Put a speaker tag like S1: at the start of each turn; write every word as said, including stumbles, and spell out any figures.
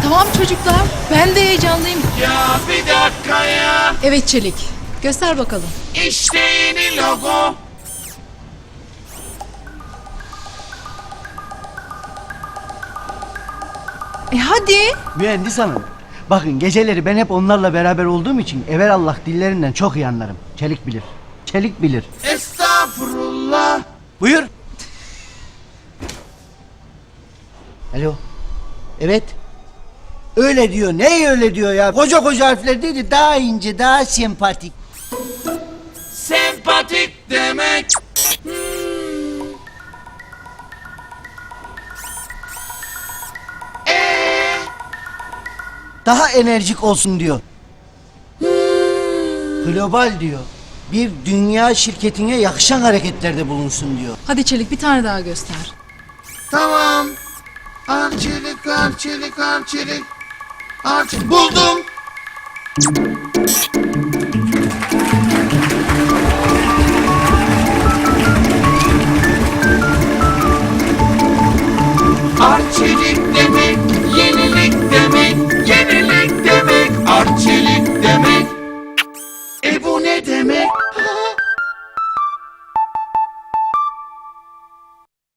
S1: Tamam çocuklar, ben de heyecanlıyım.
S2: Ya bir dakika ya.
S1: Evet Çelik, göster bakalım.
S2: İşte yeni logo.
S1: E hadi.
S3: Mühendis hanım. Bakın geceleri ben hep onlarla beraber olduğum için evelallah dillerinden çok iyi anlarım. Çelik bilir. Çelik bilir.
S2: Estağfurullah.
S3: Buyur. Alo. Evet. Öyle diyor. Ne öyle diyor ya? Koca koca harfler dedi. Daha ince, daha sempatik.
S2: Sempatik demek.
S3: Daha enerjik olsun diyor. Global diyor. Bir dünya şirketine yakışan hareketlerde bulunsun diyor.
S1: Hadi Çelik, bir tane daha göster.
S2: Tamam. Arçelik, arçelik, arçelik. Arçelik. Buldum.